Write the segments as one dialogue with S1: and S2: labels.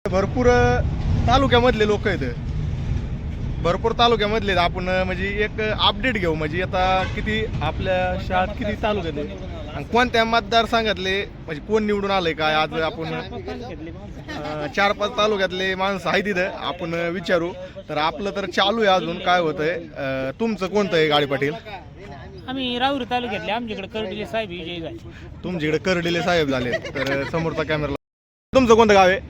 S1: भरपूर तालुक्यामधले लोक आहेत, भरपूर तालुक्यामधले आपण म्हणजे एक अपडेट घेऊ म्हणजे आता किती आपल्या शाळेत किती तालुक्यात आहे आणि कोणत्या मतदारसंघातले म्हणजे कोण निवडून आलंय काय. आज आपण 4-5 तालुक्यातले माणसं आहेत तिथं, आपण विचारू. तर आपलं तर चालू आहे अजून काय होतंय. तुमचं कोणतं आहे गाडी पाटील?
S2: आम्ही राहुरी तालुक्यातले, आमच्याकडे कर्डिले साहेब विजयी झाले.
S1: तुमच्याकडे कर्डिले साहेब झाले. तर समोरचा कॅमेरा. तुमचं कोणतं गाव आहे?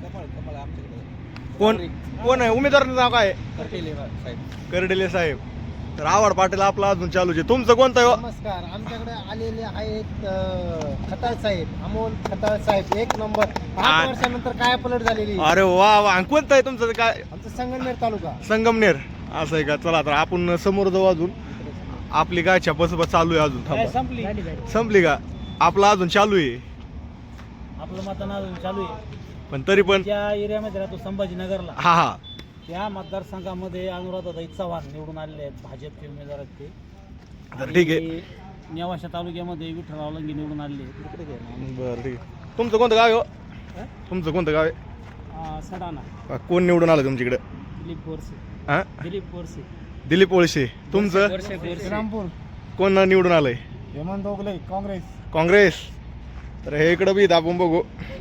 S1: कोण आहे उमेदवाराचं नाव काय आहे? कर्डिले साहेब. तर आवाड पाटील आपला अजून चालूच आहे. तुमचं कोणतं आहे?
S3: नमस्कार. आमच्याकडे आलेले आहेत खताळ साहेब, अमोल खताळ साहेब, एक नंबर. 5 वर्षानंतर काय पलट झालेली.
S1: अरे वा वा. कोणतं आहे तुमचं काय?
S3: आमचं संगमनेर तालुका.
S1: संगमनेर असं आहे का? चला तर आपण समोर जाऊ. अजून आपली काय बस चालू आहे अजून. थांबा. संपली का? आपला अजून चालू आहे.
S2: आपलं मतदान अजून चालू आहे,
S1: पण तरी पण
S2: त्या एरियामध्ये राहतो संभाजीनगरला.
S1: हा हा.
S2: त्या मतदारसंघामध्ये अनुराधाताई चव्हाण निवडून आलेले आहेत, भाजपचे उमेदवार आहेत ते.
S1: तर ठीक आहे.
S2: नेवाशा तालुक्यामध्ये विठ्ठलराव लंगे निवडून आलेले आहेत.
S1: बरं ठीक आहे. तुमचं कोणतं गाव आहे? तुमचं कोणतं गाव आहे?
S2: सडाणा.
S1: कोण निवडून आलं तुमच्याकडे?
S2: दिलीप बोरसे.
S1: हा,
S2: दिलीप बोरसे.
S1: दिलीप ओळशे. तुमचं
S3: श्रीरामपूर.
S1: कोण निवडून आलंय?
S3: हेमंत ओगले, काँग्रेस.
S1: काँग्रेस. तर हे इकडं बी आपण बघू.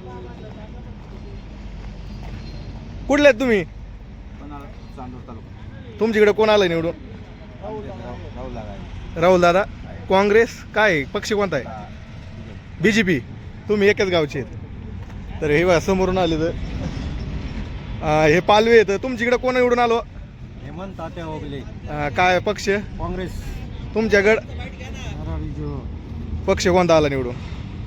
S1: कुठले आहेत तुम्ही? तुमच्याकडे कोण आलंय निवडून? राहुल दादा. काँग्रेस. काय पक्ष कोणता आहे? बीजेपी. तुम्ही एकच गावचे आहेत. तर हे बघा समोरून आले. तर हे पालवे आहेत. तुमच्याकडे कोण निवडून आलो?
S3: हेमंत तात्या ओगले,
S1: काय पक्ष?
S3: काँग्रेस.
S1: तुमच्याकडं पक्ष कोणता आला निवडून?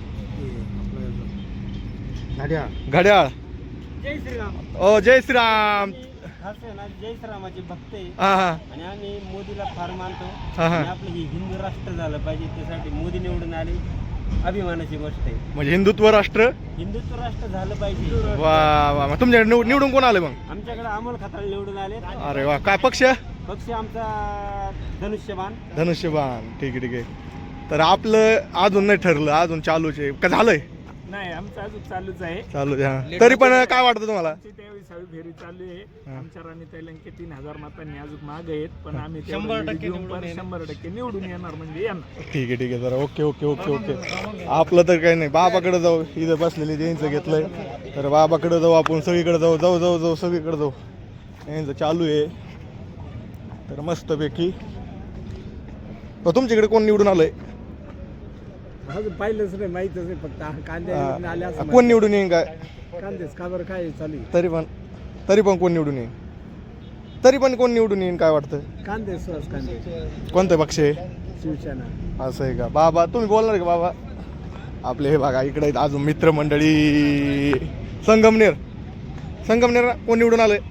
S1: घड्याळ.
S2: जय श्रीराम.
S1: ओ जय श्रीराम.
S2: जय श्रीरामाचे भक्त आहे
S1: हा हा
S2: आणि आम्ही मोदीला फार मानतो.
S1: हा हा.
S2: आपलं ही हिंदू राष्ट्र झालं पाहिजे, त्यासाठी मोदी निवडून आले, अभिमानाची गोष्ट आहे.
S1: म्हणजे हिंदुत्व राष्ट्र.
S2: हिंदुत्व राष्ट्र झालं पाहिजे.
S1: वा वा. मग तुमच्याकडे निवडून कोण आले मग?
S2: आमच्याकडे अमोल खताळ निवडून आले.
S1: अरे वा. काय पक्ष?
S2: पक्ष आमचा धनुष्यबाण.
S1: धनुष्यबाण. ठीक आहे ठीक आहे. तर आपलं अजून नाही ठरलं, अजून चालूच आहे का? झालंय?
S2: नाही, आमचं अजून चालूच आहे.
S1: चालू आहे. तरी पण काय वाटतं तुम्हाला?
S2: त्यावेळी सहावी फेरी चालू आहे. आमच्या राणीताई लंके 3000 मतांनी अजून मागे आहेत, पण आम्ही 100% निवडून येणार म्हणजे येणार.
S1: ठीक आहे ठीक आहे. जरा ओके ओके ओके ओके. आपलं तर काही नाही. बाबाकडे जाऊ. इथं बसलेले त्यांचं घेतलंय. तर बाबाकडे जाऊ आपण. सगळीकडे जाऊ जाऊ जाऊ जाऊ सगळीकडे जाऊ. यांचं चालू आहे. तर मस्तपैकी. तुमच्याकडे कोण निवडून आलंय?
S2: अजून पाहिलंच नाही, माहितच नाही. फक्त कांदे आले असं.
S1: कोण निवडून येईन काय?
S2: कांदेच का बरं काय चालू आहे?
S1: तरी पण कोण निवडून येईन? तरी पण कोण निवडून येईन काय वाटतं?
S2: कांदे सुहास कांदे.
S1: कोणतं पक्ष आहे?
S2: शिवसेना.
S1: असं आहे का? बाबा तुम्ही बोलणार का बाबा? आपले हे बघा इकडे आहेत अजून मित्रमंडळी. संगमनेर. संगमनेर कोण निवडून आलंय?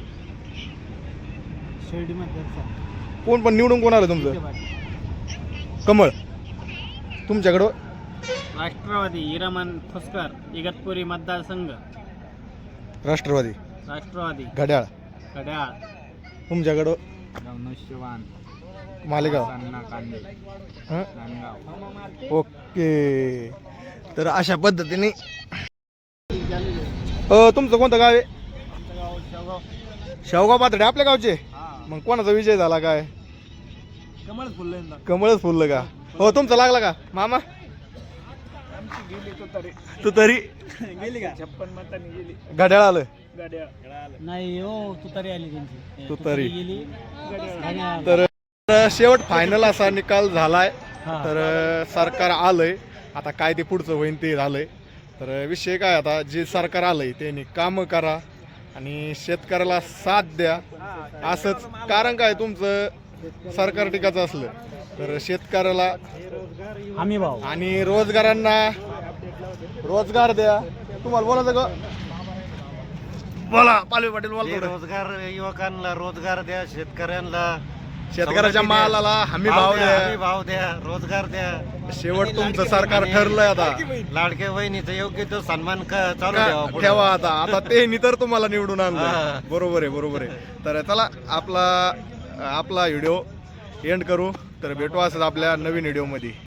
S2: शिर्डी मध्ये
S1: कोण पण निवडून कोण आलं तुमचं? कमळ. तुमच्याकडं?
S2: राष्ट्रवादी हिरामन फुसकर, इगतपुरी मतदारसंघ.
S1: राष्ट्रवादी.
S2: राष्ट्रवादी.
S1: घड्याळ.
S2: घड्याळ.
S1: तुमच्याकडं?
S2: धनुष्यबाण.
S1: मालेगाव. हं? ओके. तर अशा पद्धतीने तुमचं कोणतं गाव आहे? शेवगाव पातळे. आपल्या गावचे. मग कोणाचा विजय झाला काय?
S2: कमळच फुललं.
S1: कमळच फुललं का? हो. तुमचं लागला का मामा? तू तरी
S2: गेली का? 56 मतांनी गेली.
S1: घड्याळ आलं.
S2: नाही हो, तुतारी आली त्यांची.
S1: तुतारी
S2: गेली.
S1: तर शेवट फायनल असा निकाल झालाय. तर सरकार आलंय. आता काय ते पुढचं होईन ते झालंय. तर विषय काय, आता जे सरकार आलंय त्यांनी कामं करा आणि शेतकऱ्याला साथ द्या. असंच. कारण काय, तुमचं सरकार टिकाचं असलं तर शेतकऱ्याला
S2: हमी भाव
S1: आणि रोजगारांना रोजगार द्या. तुम्हाला बोलायचं का? बोला पालवी पाटील. बोला.
S3: रोजगार, युवकांना रोजगार द्या,
S1: शेतकऱ्याच्या मालाला हमी भाव द्या.
S3: भाव द्या, रोजगार द्या.
S1: शेवट तुमचं सरकार ठरलंय. आता
S3: लाडक्या बहिणीचा योग्य तो सन्मान चालू
S1: ठेवा. आता ते तर तुम्हाला निवडून आणलं. बरोबर आहे बरोबर आहे. तर चला आपला व्हिडिओ एंड करू. तर भेटू असं आपल्या नवीन व्हिडिओ मध्ये.